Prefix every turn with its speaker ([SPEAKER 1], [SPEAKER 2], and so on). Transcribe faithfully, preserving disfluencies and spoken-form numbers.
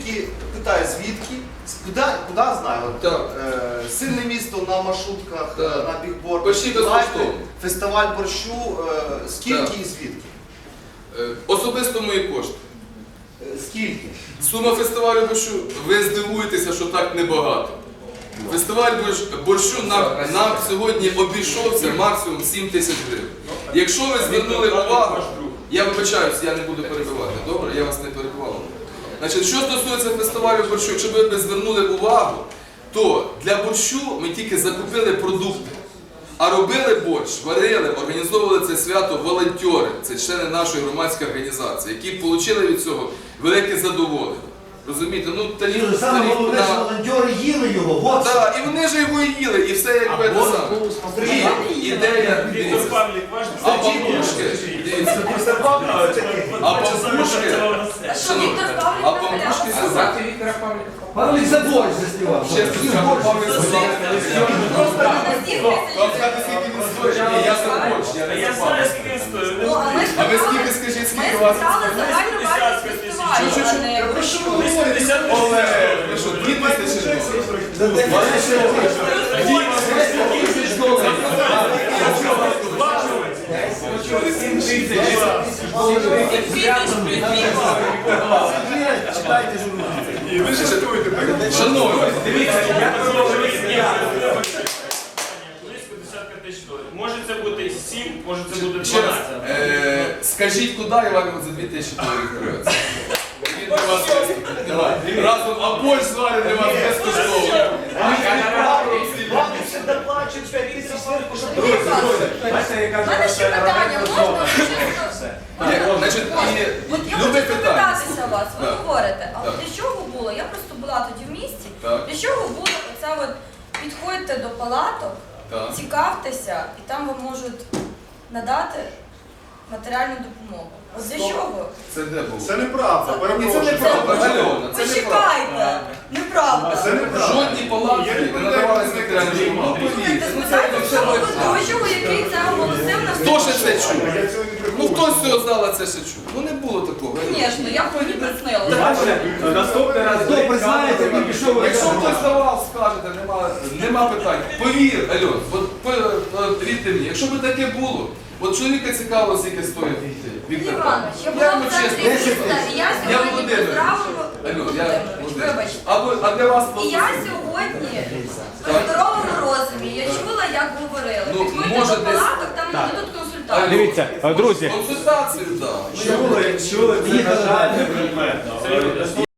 [SPEAKER 1] І питаю, звідки? Куди, куди знаю?
[SPEAKER 2] Так.
[SPEAKER 1] Е, сильне місто на маршрутках,
[SPEAKER 2] Так.
[SPEAKER 1] на бігбордах.
[SPEAKER 2] Почти безкоштовно.
[SPEAKER 1] Фестиваль борщу, е, скільки
[SPEAKER 2] Так.
[SPEAKER 1] і звідки?
[SPEAKER 2] Е, Особисто мої кошти.
[SPEAKER 1] Е, скільки?
[SPEAKER 2] Сума фестивалю борщу, ви здивуєтеся, що так небагато. Фестиваль борщ- борщу нам, нам сьогодні обійшовся максимум сім тисяч гривень. Якщо ви звернули увагу, я вибачаюсь, я не буду перебивати, добре? Я вас не перебивав. Значить, що стосується фестивалю борщу, якщо ви б звернули увагу, то для борщу ми тільки закупили продукти. А робили борщ, варили, організовували це свято волонтери, це члени нашої громадської організації, які отримали від цього велике задоволення. Розумієте? Ну, тарілку,
[SPEAKER 3] Саме
[SPEAKER 2] тарілку
[SPEAKER 3] головне, що
[SPEAKER 2] на...
[SPEAKER 3] волонтери їли його, вот.
[SPEAKER 2] Так, і вони ж його і їли, і все як би те саме. І ідея, дивіться, а пампушки, дивіться, а пампушки,
[SPEAKER 4] А що Віктор Павлік
[SPEAKER 2] а
[SPEAKER 4] наполягав?
[SPEAKER 2] пампушки
[SPEAKER 5] А
[SPEAKER 2] сюди.
[SPEAKER 5] звати Віктора Павліка?
[SPEAKER 3] Павлік за борщ заснівав.
[SPEAKER 2] Чесно скажу, Павлік сказав,
[SPEAKER 4] На стіл
[SPEAKER 2] вам
[SPEAKER 4] присиділи.
[SPEAKER 2] сказати, скільки він стоїть? Ні, я за борщ, я не
[SPEAKER 6] Я
[SPEAKER 2] за
[SPEAKER 6] знаю,
[SPEAKER 2] Павлік.
[SPEAKER 6] скільки він стоїть.
[SPEAKER 4] Ну, а ми ж
[SPEAKER 2] А ви
[SPEAKER 4] питали-
[SPEAKER 2] скільки, скажіть,
[SPEAKER 4] Ми
[SPEAKER 2] скільки у вас?
[SPEAKER 4] спитали загальну вартість фестивалю,
[SPEAKER 2] Чу-чу-чу.
[SPEAKER 4] а не
[SPEAKER 2] Про що ви
[SPEAKER 4] борщу.
[SPEAKER 2] говорите? Олег, ви що, дві тисячі доларів?
[SPEAKER 3] Читайте журнал.
[SPEAKER 2] Шановні,
[SPEAKER 6] Близько десятка тисяч доларів. Може це бути сім, може це буде
[SPEAKER 2] ще раз,
[SPEAKER 6] дванадцять.
[SPEAKER 2] е, скажіть, куди я вам за дві тисячі доларів привез? Він для вас виступить. Давай. Разом, а борщ зварить для вас безкоштовно.
[SPEAKER 3] Вам ще доплачують п'ять тисяч зверху, щоб
[SPEAKER 4] У мене ще питання, можна чисто?
[SPEAKER 2] Ні, значить, і
[SPEAKER 4] От я
[SPEAKER 2] любе
[SPEAKER 4] хочу
[SPEAKER 2] питання.
[SPEAKER 4] запитатися вас, ви
[SPEAKER 2] Так.
[SPEAKER 4] говорите, а
[SPEAKER 2] Так.
[SPEAKER 4] для чого було, я просто була тоді в місті,
[SPEAKER 2] Так.
[SPEAKER 4] для чого було оце от, підходьте до палаток,
[SPEAKER 2] Так.
[SPEAKER 4] цікавтеся, і там вам можуть надати матеріальну допомогу. От для чого?
[SPEAKER 2] Це де було?
[SPEAKER 1] Це неправда,
[SPEAKER 2] Ні, це
[SPEAKER 1] перепрошую.
[SPEAKER 2] неправда, Альона, це неправда.
[SPEAKER 4] Почекайте, неправда.
[SPEAKER 1] Це неправда.
[SPEAKER 2] Жодні палатки не надавалися матеріальну допомогу. Ну, повірте, ну це
[SPEAKER 4] Спитайте
[SPEAKER 2] все
[SPEAKER 4] цього
[SPEAKER 2] точно.
[SPEAKER 4] ведучого, який це оголосив на
[SPEAKER 2] Хто ще це чув?
[SPEAKER 1] Я цього не
[SPEAKER 2] Ну
[SPEAKER 1] приховую.
[SPEAKER 2] хтось з цього зала це ще чув. Ну не було такого.
[SPEAKER 4] Звісно, я б мені приснилася.
[SPEAKER 5] Наступний раз
[SPEAKER 3] Хто признаєте, він пішов.
[SPEAKER 2] Якщо хтось давав, скажете, нема, нема питань. Повір, Альон, от, по- от вірте мені, якщо б таке було, от чоловіка цікаво, скільки стоїть Віктор
[SPEAKER 4] Іванович, я
[SPEAKER 2] Павлович.
[SPEAKER 4] була
[SPEAKER 2] йому
[SPEAKER 4] в центрі
[SPEAKER 2] чесно,
[SPEAKER 4] міста, і я
[SPEAKER 2] Я
[SPEAKER 4] сьогодні
[SPEAKER 2] Володимир.
[SPEAKER 4] поздравила...
[SPEAKER 2] Альон, я
[SPEAKER 4] Володимирович,
[SPEAKER 2] Володимир.
[SPEAKER 4] вибачте.
[SPEAKER 2] А, ви- а для вас
[SPEAKER 4] І
[SPEAKER 2] просто...
[SPEAKER 4] я сьогодні при здоровому розумі, я чула, як говорили.
[SPEAKER 2] Ну,
[SPEAKER 4] Підходьте
[SPEAKER 2] може,
[SPEAKER 4] до
[SPEAKER 2] десь-
[SPEAKER 4] палаток, там нададуть консультацію.
[SPEAKER 5] Дивіться, друзі.
[SPEAKER 2] Консультацію, так.
[SPEAKER 5] Чули, чули, це, на жаль, не предметно.